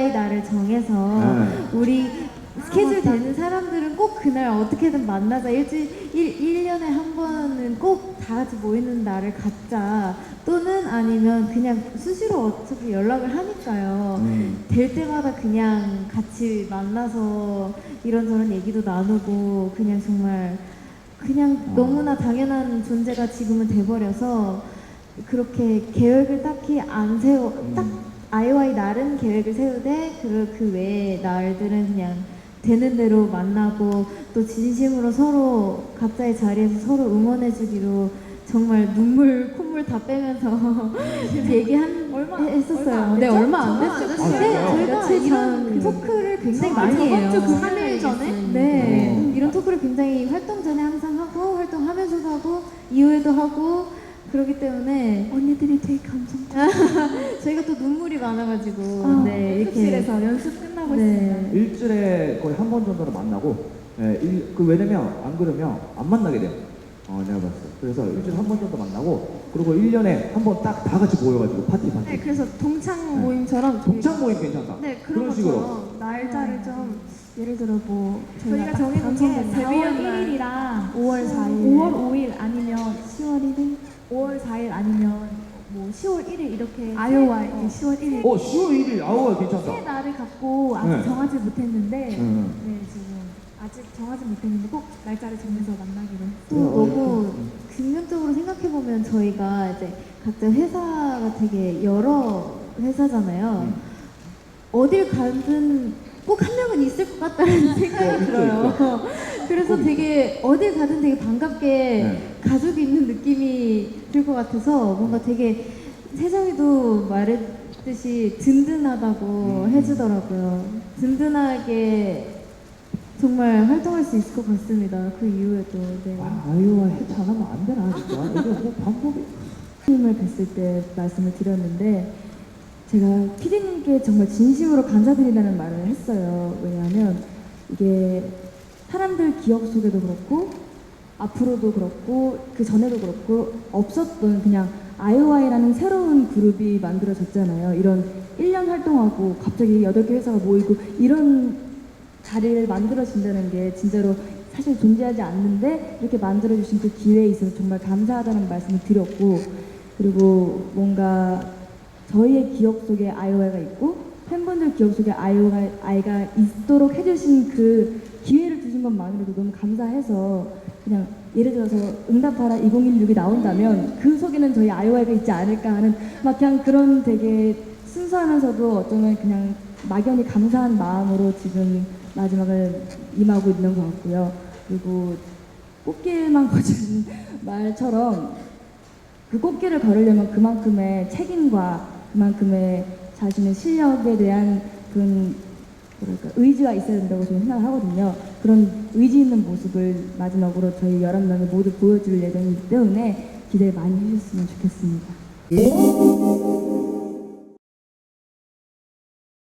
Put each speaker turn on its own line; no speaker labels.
아이오아이 날을 정해서 우리 스케줄 되는 사람들은 꼭 그날 어떻게든 만나자. 1년에 한 번은 꼭 다 같이 모이는 날을 갖자. 또는 아니면 그냥 수시로 어차피 연락을 하니까요. 될 때마다 그냥 같이 만나서 이런저런 얘기도 나누고 그냥 정말 그냥 너무나 당연한 존재가 지금은 돼버려서 그렇게 계획을 딱히 안 딱 아이오아이 날은 계획을 세우되 그 외의 날들은 그냥 되는 대로 만나고 또 진심으로 서로 각자의 자리에서 서로 응원해주기로 정말 눈물 콧물 다 빼면서 했었어요. 네, 얼마 안 됐죠. 저희가 이런 토크를 굉장히 많이 해요.
3일 전에?
네, 이런 토크를 굉장히 활동 전에 항상 하고 활동하면서도 하고 이후에도 하고 그렇기 때문에
언니들이 되게 감성적.
저희가 또 눈물이 많아가지고 네, 이렇게
연습실에서 연습 끝나고
네.
있습니다.
일주일에 거의 한 번 정도는 만나고, 왜냐면 안 그러면 안 만나게 돼요. 내가 봤을 때. 그래서 일주일에 한 번 정도 만나고, 그리고 1년에 한 번 딱 다 같이 모여가지고 파티.
네, 그래서 동창 모임처럼
동창 모임 괜찮다.
네, 그런
식으로.
것처럼 날짜를 좀 예를 들어 뭐
저희가 정해놓은 게 4월 1일이랑 5월 4일 5월 5일 아니면 10월 1일 5월 4일 아니면 뭐 10월 1일 이렇게
아이오아이 10월 1일
10월 1일, 아우, 괜찮다.
새 날을 갖고 아직
네.
정하지 못했는데
네.
지금 아직 정하지 못했는데 꼭 날짜를 정해서 만나기로
또 너무 긍정적으로 생각해보면 저희가 이제 각자 회사가 되게 여러 회사잖아요. 어딜 가든 꼭 한 명은 있을 것 같다는 생각이 들어요. 그래서 되게 어딜 가든 되게 반갑게 가족이 있는 느낌이 들 것 같아서 뭔가 되게 세정이도 말했듯이 든든하다고 해주더라고요. 든든하게 정말 활동할 수 있을 것 같습니다. 그 이후에도. 네.
아이오아이 해체 안 하면 안 되나, 진짜? 이게 뭐 방법이.
님을 뵀을 때 말씀을 드렸는데 제가 PD님께 정말 진심으로 감사드린다는 말을 했어요. 왜냐하면 이게 사람들 기억 속에도 그렇고 앞으로도 그렇고 그 전에도 그렇고 없었던 그냥 아이오아이라는 새로운 그룹이 만들어졌잖아요. 이런 1년 활동하고 갑자기 8개 회사가 모이고 이런 자리를 만들어진다는 게 진짜로 사실 존재하지 않는데 이렇게 만들어주신 그 기회에 있어서 정말 감사하다는 말씀을 드렸고, 그리고 뭔가 저희의 기억 속에 아이오아이가 있고 팬분들 기억 속에 아이오아이가 있도록 해주신 그 기회를 주신 것만으로도 너무 감사해서 그냥 예를 들어서 응답하라 2016이 나온다면 그 속에는 저희 아이오아이가 있지 않을까 하는 막 그냥 그런 되게 순수하면서도 어쩌면 그냥 막연히 감사한 마음으로 지금 마지막을 임하고 있는 것 같고요. 그리고 꽃길만 걷는 말처럼 그 꽃길을 걸으려면 그만큼의 책임과 그만큼의 자신의 실력에 대한 그런 의지가 있어야 된다고 저는 생각을 하거든요. 그런 의지 있는 모습을 마지막으로 저희 11명이 모두 보여줄 예정이기 때문에 기대 많이 해주셨으면 좋겠습니다.